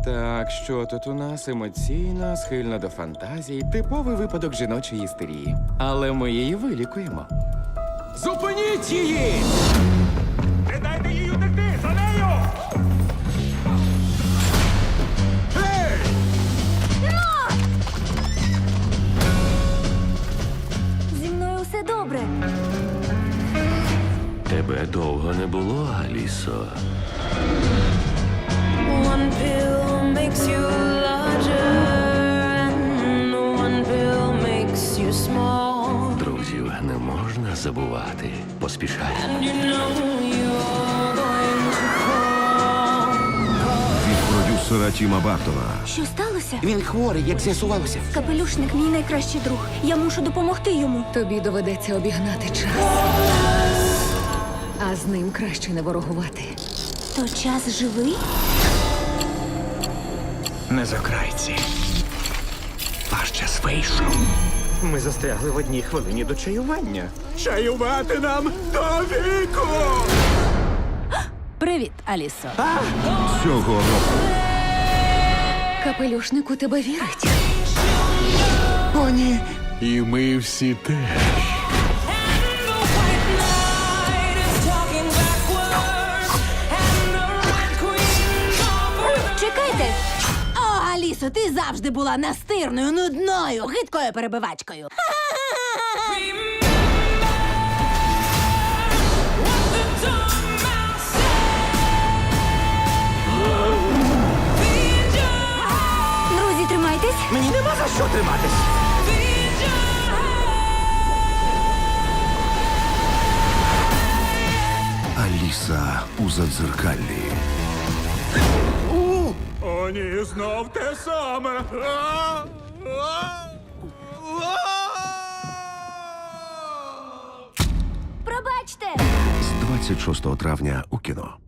Так, що тут у нас? Емоційна, схильна до фантазій, типовий випадок жіночої істерії. Але ми її вилікуємо. Зупиніть її! Не дайте їй утекти! За нею! Гей! Зі мною все добре. Тебе довго не було, Алісо. One pill makes you larger, and one pill makes you small. Друзів не можна забувати. Поспішай. And you know you're going to fall. Від продюсера Тіма Бартона. Що сталося? Він хворий, як з'ясувалося. Капелюшник мій найкращий друг. Я мушу допомогти йому. Тобі доведеться обігнати час. А з ним краще не ворогувати. То час живий? Не закрайці. Ваш час вийшов. Ми застрягли в одній хвилині до чаювання. Чаювати нам до віку! Привіт, Алісо. Цього року Капелюшник у тебе вірить. О, ні. і ми всі теж. And the white knight is talking backwards, and the red queen offers. Чекайте! О, Алісо, ти завжди була настирною, нудною, гидкою перебивачкою. Друзі, тримайтесь. Мені нема за що триматись. Аліса у задзеркаллі. О, ні, знов те саме. Пробачте! З 26 травня у кіно.